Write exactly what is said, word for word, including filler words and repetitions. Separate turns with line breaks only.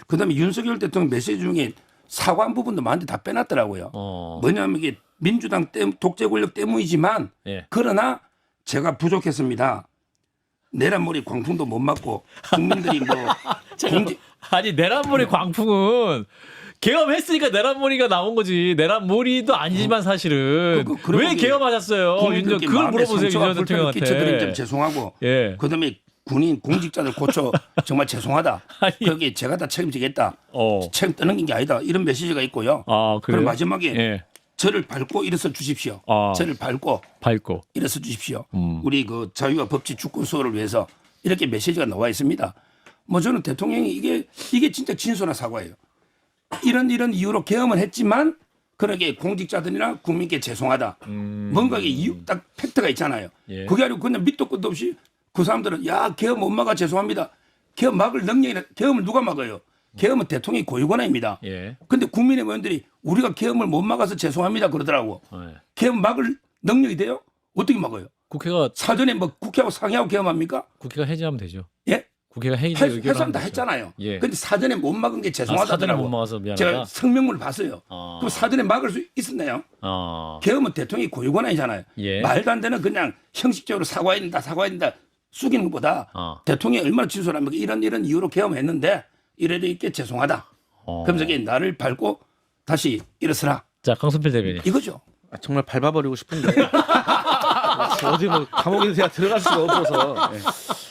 그다음에 윤석열 대통령 메시지 중에 사과한 부분도 많은데 다 빼놨더라고요.
어.
뭐냐면 이게 민주당 때, 독재 권력 때문이지만
예.
그러나 제가 부족했습니다. 내란머리 광풍도 못 맞고 국민들이 뭐 공직
아니 내란머리 광풍은 계엄했으니까 내란머리가 나온 거지. 내란머리도 아니지만 사실은
그- 그- 그런
왜
거기
계엄하셨어요? 윤
국민들께
그걸
마음에
물어보세요
상처와
윤석열
불편을 끼쳐드린 점
대통령한테.
죄송하고
예.
그다음에 군인 공직자들 고쳐 정말 죄송하다.
아니.
거기에 제가 다 책임지겠다.
어.
책임 떠넘긴 게 아니다. 이런 메시지가 있고요.
아 그래요?
그리고 마지막에
예.
저를 밟고 일어서 주십시오.
아.
저를 밟고
밟고.
일어서 주십시오.
음.
우리 그 자유와 법치 주권 수호를 위해서 이렇게 메시지가 나와 있습니다. 뭐 저는 대통령이 이게 이게 진짜 진솔한 사과예요. 이런 이런 이유로 계엄을 했지만 그러게 공직자들이나 국민께 죄송하다.
음.
뭔가 이게 이유 딱 팩트가 있잖아요.
예.
그게 아니고 그냥 밑도 끝도 없이 그 사람들은 야 계엄 못 막아 죄송합니다. 계엄 막을 능력이나 계엄을 누가 막아요? 계엄은 대통령이 고유권입니다.
예.
근데 국민의 의원들이 우리가 계엄을 못 막아서 죄송합니다 그러더라고.
예.
계엄 막을 능력이 돼요? 어떻게 막아요?
국회가
사전에 뭐 국회하고 상의하고 계엄합니까?
국회가 해제하면 되죠.
예?
국회가 해제
할,
의결을
할 사람
하면
다
되죠.
했잖아요.
예.
근데 사전에 못 막은 게
아, 사전에
죄송하다더라고.
못 막아서 미안하다.
제가 성명문을 봤어요.
아.
그럼 사전에 막을 수 있었나요?
아.
계엄은 대통령이 고유권이잖아요.
예.
말도 안 되는 그냥 형식적으로 사과해야 된다, 사과해야 된다 숙이는 것보다
아.
대통령이 얼마나 진솔합니까? 이런 이런 이유로 계엄했는데 이래도 있게 죄송하다.
어.
그러면서 이게 나를 밟고 다시 일어서라.
자 강순필 대변인.
이거죠.
아, 정말 밟아버리고 싶은데 어디 뭐 감옥에 제가 들어갈 수가 없어서 예.